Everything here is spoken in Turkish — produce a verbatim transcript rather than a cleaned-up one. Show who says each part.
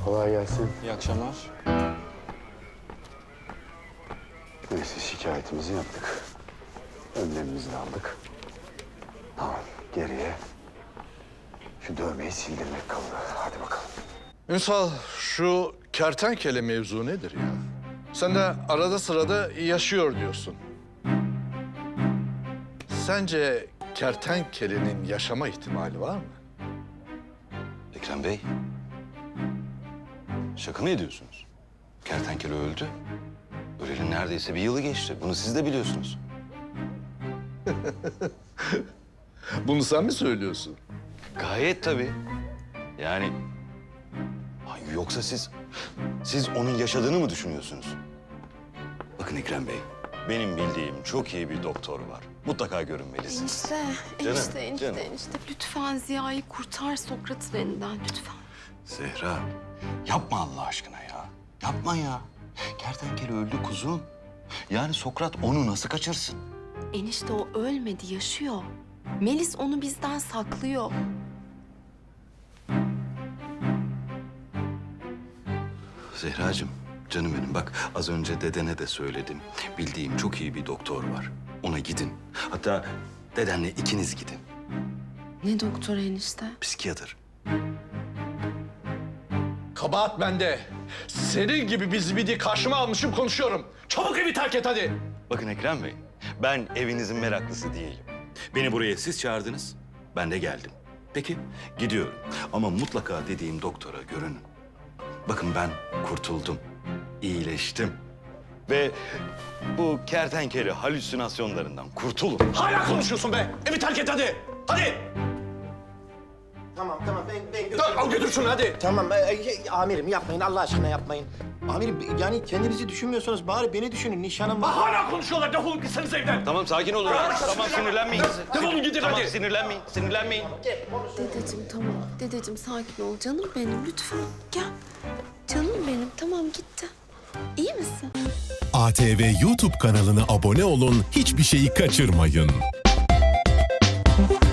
Speaker 1: Kolay gelsin.
Speaker 2: İyi akşamlar.
Speaker 1: Neyse şikayetimizi yaptık. Önlemimizi de aldık. Tamam geriye şu dövmeyi sildirmek kaldı. Hadi bakalım.
Speaker 3: Ünsal, şu kertenkele mevzu nedir ya? Sen de arada sırada yaşıyor diyorsun. Sence kertenkelenin yaşama ihtimali var mı?
Speaker 2: Ekrem Bey. Şaka mı ediyorsunuz? Kertenkele öldü. Öleli neredeyse bir yılı geçti. Bunu siz de biliyorsunuz.
Speaker 3: Bunu sen mi söylüyorsun?
Speaker 2: Gayet tabii. Yani... Ay, yoksa siz... Siz onun yaşadığını mı düşünüyorsunuz? Bakın Ekrem Bey, benim bildiğim çok iyi bir doktor var. Mutlaka görünmelisiniz.
Speaker 4: Enişte,
Speaker 2: Canım,
Speaker 4: enişte, enişte,
Speaker 2: canım.
Speaker 4: enişte. Lütfen Ziya'yı kurtar Sokrat'ın elinden lütfen.
Speaker 2: Zehra, yapma Allah aşkına ya. Yapma ya. Kertenkele öldü kuzum. Yani Sokrat onu nasıl kaçırsın?
Speaker 4: Enişte o ölmedi, yaşıyor. Melis onu bizden saklıyor.
Speaker 2: Zehracığım, canım benim bak az önce dedene de söyledim. Bildiğim çok iyi bir doktor var. Ona gidin. Hatta dedenle ikiniz gidin.
Speaker 4: Ne doktor enişte?
Speaker 2: Psikiyatr.
Speaker 3: Kabahat bende. Senin gibi bir zibidi karşıma almışım konuşuyorum. Çabuk evi terk et hadi.
Speaker 2: Bakın Ekrem Bey, ben evinizin meraklısı değilim. Beni buraya siz çağırdınız, ben de geldim. Peki, gidiyorum. Ama mutlaka dediğim doktora görünün. Bakın ben kurtuldum, iyileştim. Ve bu kertenkele halüsinasyonlarından kurtulun.
Speaker 3: Hala konuşuyorsun be. Evi terk et hadi. Hadi.
Speaker 5: Tamam tamam ben, ben
Speaker 3: Dur,
Speaker 5: götürürüm.
Speaker 3: al götür şunu hadi.
Speaker 5: Tamam e, e, amirim yapmayın Allah aşkına yapmayın. Amirim yani kendinizi düşünmüyorsanız bari beni düşünün nişanım var.
Speaker 3: Hala konuşuyorlar. Defolun gitseniz evden.
Speaker 2: Tamam sakin olun. Tamam sinirlenmeyin.
Speaker 3: Defolun gidin
Speaker 2: Tamam
Speaker 3: hadi.
Speaker 2: sinirlenmeyin, sinirlenmeyin.
Speaker 4: Dedeciğim tamam. Dedeciğim sakin ol. Canım benim lütfen. Gel. Canım benim tamam gitti. İyi misin?
Speaker 6: A T V YouTube kanalına abone olun, hiçbir şeyi kaçırmayın.